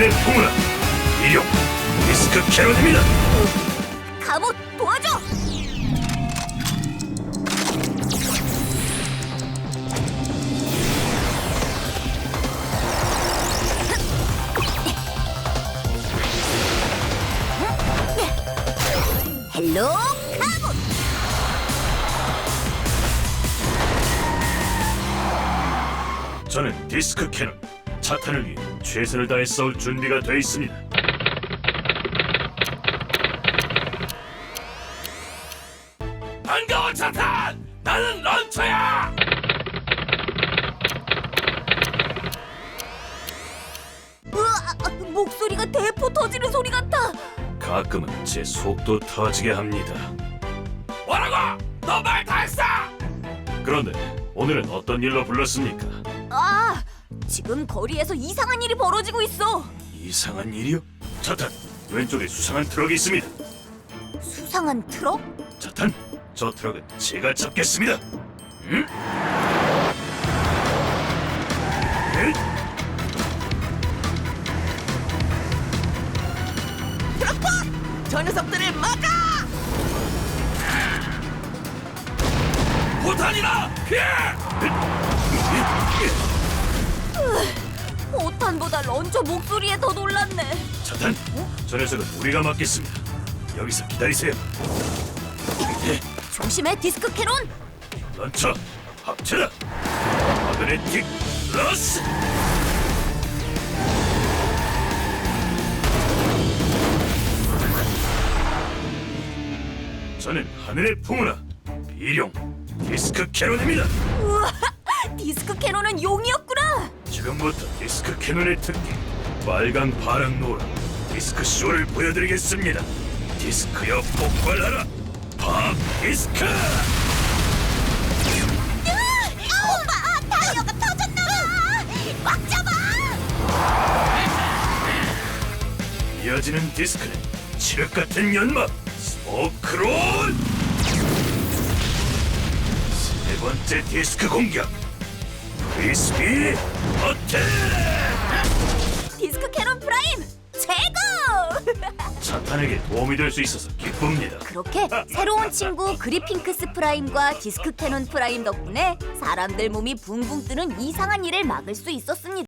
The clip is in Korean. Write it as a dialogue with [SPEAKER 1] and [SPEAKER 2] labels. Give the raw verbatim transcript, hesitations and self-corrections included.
[SPEAKER 1] 하늘의 풍우라 이룡 디스크 캐논입니다.
[SPEAKER 2] 갑옷 도와줘! 헬로 갑옷!
[SPEAKER 1] 저는 디스크 캐논 차탄을 위해 최선을 다해 싸울 준비가 되어 있습니다. 반가워 차탄! 나는 런처야!
[SPEAKER 2] 으아, 목소리가 대포 터지는 소리 같아.
[SPEAKER 1] 가끔은 제 속도 터지게 합니다. 뭐라고? 너 말 다 했어! 그런데 오늘은 어떤 일로 불렀습니까?
[SPEAKER 2] 아, 지금 거리에서 이상한 일이 벌어지고 있어.
[SPEAKER 1] 이상한 일이요? 차탄, 왼쪽에 수상한 트럭이 있습니다.
[SPEAKER 2] 수상한 트럭?
[SPEAKER 1] 차탄, 저 트럭은 제가 잡겠습니다. 응? 에?
[SPEAKER 2] 저 녀석들을 막아!
[SPEAKER 1] 포탄이다! 피해!
[SPEAKER 2] 오탄보다 런처 목소리에 더 놀랐네.
[SPEAKER 1] 차탄, 저 녀석은 우리가 맡겠습니다. 여기서 기다리세요.
[SPEAKER 2] 조심해, 디스크 캐논!
[SPEAKER 1] 런처, 합체다! 마그네틱 러스! 저는 하늘의 풍우라 비룡 디스크 캐논입니다.
[SPEAKER 2] 우와, 디스크 캐논은 용이었구나.
[SPEAKER 1] 지금부터 디스크 캐논의 특기 빨강, 파랑, 노랑 디스크 쇼를 보여드리겠습니다. 디스크여 폭발하라! 팝 디스크!
[SPEAKER 2] 오빠, 타이어가 터졌나봐. 꽉 잡아!
[SPEAKER 1] 이어지는 디스크는 칠흑 같은 연막 스모크론! 세 번째 디스크 공격 크리스피 어택!
[SPEAKER 2] 디스크 캐논 프라임 최고!
[SPEAKER 1] 차탄에게 도움이 될 수 있어서 기쁩니다.
[SPEAKER 2] 그렇게 새로운 친구 그리핑크스 프라임과 디스크 캐논 프라임 덕분에 사람들 몸이 붕붕 뜨는 이상한 일을 막을 수 있었습니다.